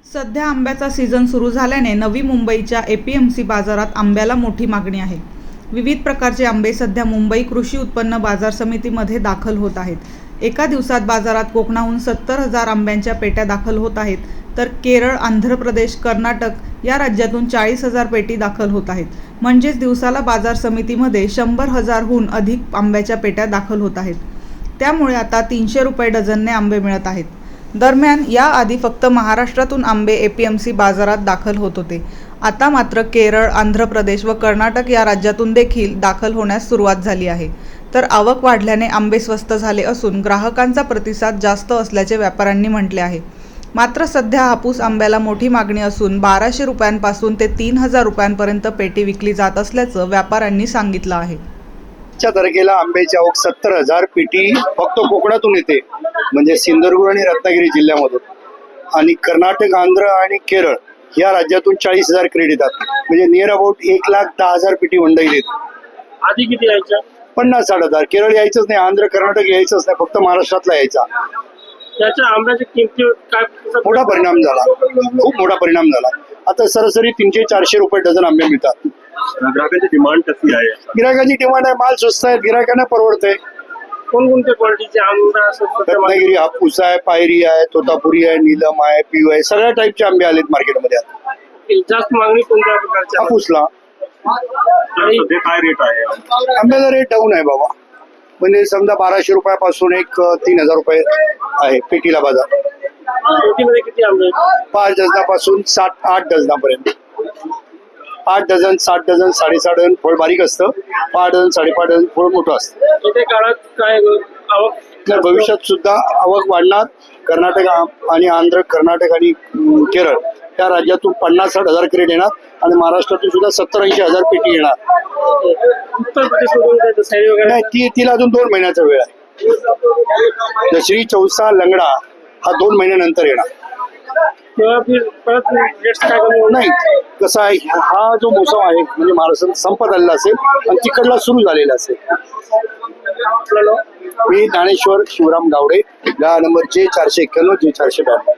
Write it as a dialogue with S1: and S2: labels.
S1: सध्या आंब्याचा सीझन सुरू झाल्याने नवी मुंबईच्या एपीएमसी बाजारात आंब्याला मोठी मागणी आहे. विविध प्रकारचे आंबे सध्या मुंबई कृषी उत्पन्न बाजार समितीमध्ये दाखल होत आहेत. एका दिवसात बाजारात कोकणाहून 70,000 आंब्यांच्या पेट्या दाखल होत आहेत, तर केरळ, आंध्र प्रदेश, कर्नाटक या राज्यातून 40,000 पेटी दाखल होत आहेत. म्हणजेच दिवसाला बाजार समितीमध्ये 100,000हून अधिक आंब्याच्या पेट्या दाखल होत आहेत. त्यामुळे आता 300 रुपये डझनने आंबे मिळत आहेत. दरम्यान याआधी फक्त महाराष्ट्रातून आंबे एपीएमसी बाजारात दाखल होत होते. आता मात्र केरळ, आंध्र प्रदेश व कर्नाटक या राज्यातून देखील दाखल होण्यास सुरुवात झाली आहे. तर आवक वाढल्याने आंबे स्वस्त झाले असून ग्राहकांचा प्रतिसाद जास्त असल्याचे व्यापाऱ्यांनी म्हटले आहे. मात्र सध्या हापूस आंब्याला मोठी मागणी असून 1,200 रुपयांपासून ते 3,000 रुपयांपर्यंत पेटी विकली जात असल्याचं व्यापाऱ्यांनी सांगितलं आहे.
S2: च्या तारखेला आंब्याची आवक 70,000 पेटी फक्त कोकणातून येते, म्हणजे सिंधुदुर्ग आणि रत्नागिरी जिल्ह्यामधून, आणि कर्नाटक, आंध्र आणि केरळ या राज्यातून 40,000 क्रेट येतात. म्हणजे नियर अबाउट 1,10,000 पेटी मंडई येते.
S3: आधी किती यायच्या?
S2: 50-60,000. केरळ यायचंच नाही, आंध्र कर्नाटक यायचंच नाही, फक्त महाराष्ट्रातला यायचा.
S3: त्याच्या आंब्याच्या किमतीवर काय
S2: मोठा परिणाम झाला, खूप मोठा परिणाम झाला. आता सरासरी 300-400 रुपये डझन आंबे मिळतात.
S3: ग्राहकांची डिमांड कशी आहे?
S2: गिरायकाची डिमांड आहे, माल स्वस्त आहे, गिरायकांना परवडतंय.
S3: कोणकोणत्या क्वालिटीचे आंबा?
S2: रत्नागिरी हापूस आहे, पायरी आहे, तोतापुरी आहे, नीलम आहे, पिऊ आहे, सगळ्या टाईपचे आंबे आलेत मार्केटमध्ये. आता
S3: जास्त मागणी कोणत्या प्रकारच्या?
S2: हापूसला.
S3: आणि काय रेट आहे?
S2: आंब्याचा रेट डाऊन आहे बाबा, म्हणजे समजा 1,200 रुपयापासून 3,000 रुपये आहे पेटीला बाजार.
S3: पेटीमध्ये किती आंबे?
S2: 5 डझनापासून 7-8 डझनापर्यंत. 8 डझन, 7 डझन, 6.5 डझन फळ बारीक असतं, 5 डझन, 5.5 डझन फळ मोठं असतं.
S3: येत्या काळात काय आवक?
S2: तर भविष्यात सुद्धा आवक वाढणार. कर्नाटक आणि आंध्र, कर्नाटक आणि केरळ या राज्यातून 50-60,000 क्रेट येणार आणि महाराष्ट्रातून सुद्धा 70-80,000 पेटी येणार.
S3: उत्तर प्रदेश साईड वगैरे
S2: नाही, तिला अजून 2 महिन्याचा वेळ आहे. दसरी, चौसा, लंगडा हा 2 महिन्यानंतर येणार.
S3: तेव्हा परत रेट्स काय कमी होणार?
S2: नाही, कसं आहे, हा जो मोसम आहे म्हणजे महाराष्ट्रात संपत आलेला असेल आणि तिकडला सुरू झालेला असेल.
S3: आपल्याला
S2: मी ज्ञानेश्वर शिवराम गावडे, गाळा नंबर J491, J492.